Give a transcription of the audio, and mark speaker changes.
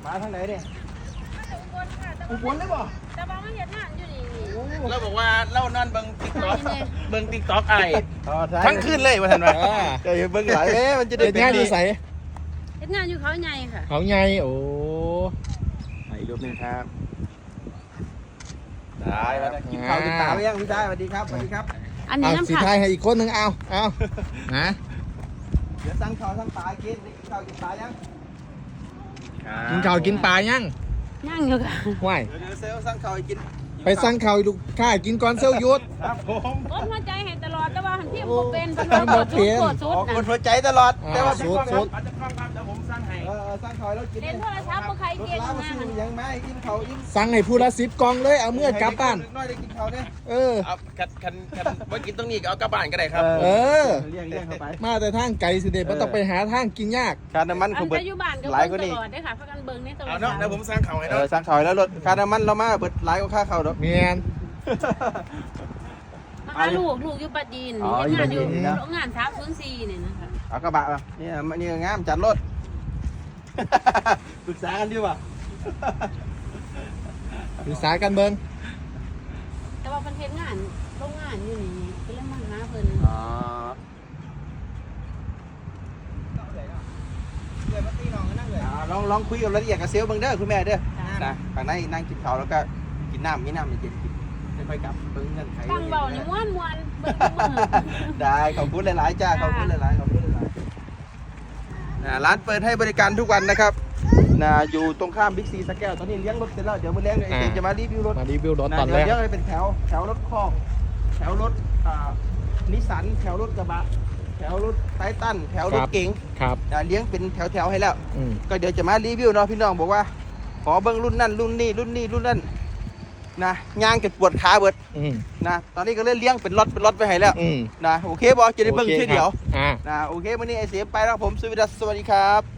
Speaker 1: มาทางไหนเนี่ย
Speaker 2: อุบลได้บ่
Speaker 3: แต่บางมันเห็นงานอยู่นี่
Speaker 4: เราบอกว่าเล่านอนเบิ่งติ๊กต็อกเบิ่งติ๊กต็อกไอ้
Speaker 1: อ๋อใช่
Speaker 4: ทั้งคืนเลยว่าท่านว่า
Speaker 1: เดี๋ยวเบิ่งหลายมันจะได้
Speaker 2: เด็ดงานอยู่ใส่
Speaker 3: เห็นงานอยู่เขาใหญ่ค่ะ
Speaker 2: เขาใหญ่โอ้
Speaker 1: อีกรูปนึงครับได้แล้วกินข้าวกินปลาไปยังพี่ชายสวัสดีครับสวัสดีครับ
Speaker 3: อันนี้
Speaker 2: เอา
Speaker 3: น้ำ
Speaker 2: สี
Speaker 3: ผัก
Speaker 2: ไทยให้อีกคนหนึ่งเอานะ
Speaker 1: เดี๋ยวสั่งข้าวสั่งปลากินกินข้าวกินปลายัง
Speaker 2: กินข้าวกินปลายัง
Speaker 3: ย่างอยู่ค่ะ
Speaker 2: ไหว
Speaker 1: เดี๋ยวเซลสั่งข้าวให้กิน
Speaker 2: ไปสั่งข้าวลูกค้ากินก่อนเซลยุทธ
Speaker 1: ครับผม
Speaker 3: โอ้หัวใจให้ตลอดแต่ว่าหันพี่บ่เป็น
Speaker 2: บ่เป็น
Speaker 3: ปวดสุ
Speaker 1: อ
Speaker 3: ด
Speaker 1: อกคน
Speaker 3: นะ
Speaker 1: หัวใจตลอดแต่ว่า
Speaker 2: สุด
Speaker 4: อาจจะกล้องครับเดี๋ยวผมสั่งให้
Speaker 1: สั่งข้าวแล้วกิน
Speaker 3: เล่นโทรศัพท์บ่ใครเก่ง
Speaker 1: รถ
Speaker 3: นะ
Speaker 1: ล้ามาซื้อยังไม่กินข้าวอิ่ม
Speaker 2: สั่งให้ผู้ละ10 กล่องเลยเอาเมื่อกลับบ้าน
Speaker 1: น้อยได้กินข้าวเนี่ย
Speaker 2: เออ
Speaker 4: เอาคันว่ากินตรงนี้ก็เอากลับบ้านก็ได้ครับ
Speaker 2: เออ
Speaker 1: เลี้ยงเข้าไป
Speaker 2: มาแต่ทางไกลสิเด็ดมันต้องไปหาทางกินยาก
Speaker 1: ค่าน้ำมัน
Speaker 3: อั
Speaker 1: เขา
Speaker 3: น
Speaker 1: เบิด
Speaker 3: จะอยู่บ้านก็
Speaker 1: หลาย
Speaker 3: เบิ่
Speaker 1: กว่าง
Speaker 3: ต
Speaker 1: นี้
Speaker 3: ลอดเด้อค่ะพักกันเบิ่งในโทร
Speaker 4: เอา
Speaker 3: ศั
Speaker 4: เนาะ
Speaker 3: พท์
Speaker 4: เดี๋ยวผมสั่งเขาให้เนาะ
Speaker 1: สั่งข้าวแล้วรถค่าน้ำมันเรามาเบิดหลายกว่าค่าข้าวดอก
Speaker 2: เมียน
Speaker 3: มาหาลูกอยู่ปัจจีน
Speaker 1: อ๋อ
Speaker 3: เฮ็ดงานอยู่
Speaker 1: อยู่ปัจจีนนะ
Speaker 3: โรงงาน304นี่นะคะ
Speaker 1: เอากระบะมานี่งามจัดรถ ปรึกษากันดีป่ะ
Speaker 2: ปรึกษากันเบิ่ง
Speaker 3: แต่ว่าเพิ่นเฮ็ดงานโรงงานอยู่นี่ก็เลยมาหาเพิ่น
Speaker 1: ลองคุยกับรายละเอียดกับเซลล์เบิ่งเด้อคุณแม่เด้อนะข้างในนั่งกินข้าวแล้วก็กินน้ำมีน้ำเย็นกินไม่ค่อยกลับเบิ่งเงินไข
Speaker 3: ฟังเบานี่ม่วนๆเบิ่งทุกมื้อ
Speaker 1: ได้ขอบคุณหลายๆจ้าขอบคุณหลายๆขอบคุณหลายๆร้านเปิดให้บริการทุกวันนะครับอยู่ตรงข้ามบิ๊กซีสแก้วตอนนี้เลี้ยงรถเสร็จแล้วเดี๋ยวมื้อเลี้ยงไอ้เจจะมารีวิวรถ
Speaker 2: มารีวิวรถตอน
Speaker 1: เดี๋
Speaker 2: แร
Speaker 1: ยว
Speaker 2: ก
Speaker 1: เดี๋ยวเป็นแถวรถคอกแถวรถนิสสันแถวรถกระบะแถวรถไททันแถวรถเก๋ง
Speaker 2: ครับ
Speaker 1: เลี้ยงเป็นแถวให้แล้ว
Speaker 2: อืม
Speaker 1: ก็เดี๋ยวจะมารีวิวเนาะพี่น้องบอกว่าขอเบิ้งรุ่นนั่นรุ่นนี้รุ่นนั้นนะย่างเก็บปวดขาเบิด
Speaker 2: อืม
Speaker 1: นะตอนนี้ก็เล่นเลี้ยงเป็นล็อตไปให้แล้ว
Speaker 2: อืม
Speaker 1: นะโอเคบอจะได้เบิ้ง
Speaker 2: โอเค
Speaker 1: ชื่อเดียว
Speaker 2: ครับ
Speaker 1: นะโอเควันนี้ไอเสียไปแล้วผมสุวิดัสสวัสดีครับ